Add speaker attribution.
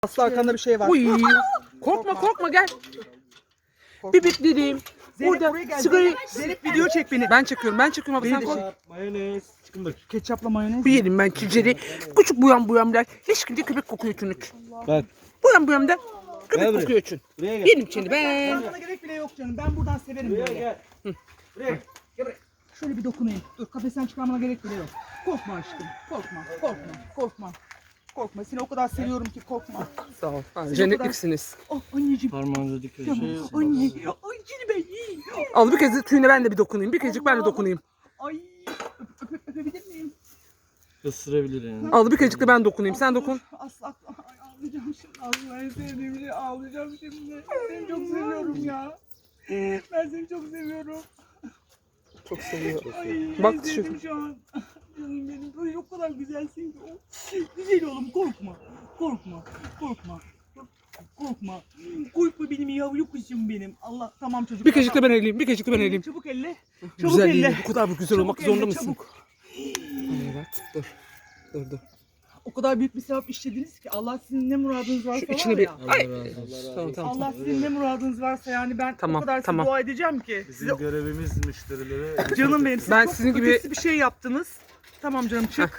Speaker 1: Aslı arkanda bir şey var.
Speaker 2: Uy. Korkma gel. Bibip dedim.
Speaker 1: Zeynep
Speaker 2: Burada
Speaker 1: buraya gel.
Speaker 2: sigarayı...
Speaker 1: Zeynep video çek beni.
Speaker 2: Ben çekiyorum abi sen koy.
Speaker 3: Mayonez. Çıkın bak.
Speaker 1: Ketçapla mayonez.
Speaker 2: Bu yedim ben çizeri. Küçük buyam der. Hiç kimse köpek kokuyor çünkü.
Speaker 3: Bak.
Speaker 2: Buyam der.
Speaker 3: Gel
Speaker 2: Köpek
Speaker 3: buraya.
Speaker 2: kokuyor için.
Speaker 3: Buraya gel.
Speaker 2: Yedim şimdi ben.
Speaker 1: Sana gerek bile yok canım. Ben buradan severim
Speaker 3: Buraya
Speaker 1: böyle.
Speaker 3: gel. Buraya gel. Gel buraya.
Speaker 1: Şöyle bir dokunayım. Dur kafesten çıkarmana gerek bile yok. Korkma aşkım. Korkma. Korkma. Seni o kadar seviyorum ki korkma.
Speaker 2: Sağ ol. Cennetliksiniz.
Speaker 1: Oh anneciğim.
Speaker 3: Parmağınıza dikkat edin.
Speaker 1: Tamam. Anne. Ay seni ben yiyeyim.
Speaker 2: Al bir kez de tüyüne ben de bir dokunayım. Bir kezcik ben de dokunayım.
Speaker 1: Ay. Öpebilir miyim?
Speaker 3: Isırabilir yani.
Speaker 2: Al bir kezcik de ben dokunayım. Sen dokun.
Speaker 1: Asla. Ay, ağlayacağım şimdi. Asla en sevdiğim şey ağlayacağım şimdi. Seni çok seviyorum ya. Ben seni çok seviyorum.
Speaker 2: Çok seviyorum.
Speaker 1: Ay,
Speaker 2: Bak
Speaker 1: en
Speaker 2: şu-
Speaker 1: sevdim şu an. Canım benim. Böyle o kadar güzelsin ki. Güzel oğlum korkma. Korkma benim yavru kuşum benim. Allah tamam çocuk.
Speaker 2: Bir kezcik de ben eleyeyim. Bir kezcik de ben eleyeyim.
Speaker 1: Çabuk elle. Çabuk
Speaker 2: Güzel
Speaker 1: elle.
Speaker 2: değil. Bu kadar bu güzel olmak
Speaker 1: Çabuk
Speaker 2: zorunda
Speaker 1: elle,
Speaker 2: mısın?
Speaker 1: çabuk.
Speaker 2: Evet. Dur.
Speaker 1: O kadar büyük bir sevap işlediniz ki Allah sizin ne muradınız varsa
Speaker 2: Şu içine
Speaker 1: var
Speaker 2: bir...
Speaker 1: ya.
Speaker 2: Ay.
Speaker 3: Allah razı olsun.
Speaker 2: Tamam.
Speaker 1: Allah sizin ne muradınız varsa yani ben
Speaker 2: Tamam,
Speaker 1: o kadar size
Speaker 2: tamam.
Speaker 1: dua edeceğim ki.
Speaker 3: Bizim
Speaker 1: Size
Speaker 3: görevimiz müşterilere...
Speaker 1: canım benim. Siz
Speaker 2: Ben
Speaker 1: çok
Speaker 2: sizin gibi-
Speaker 1: ötesi bir şey yaptınız. Tamam canım çık.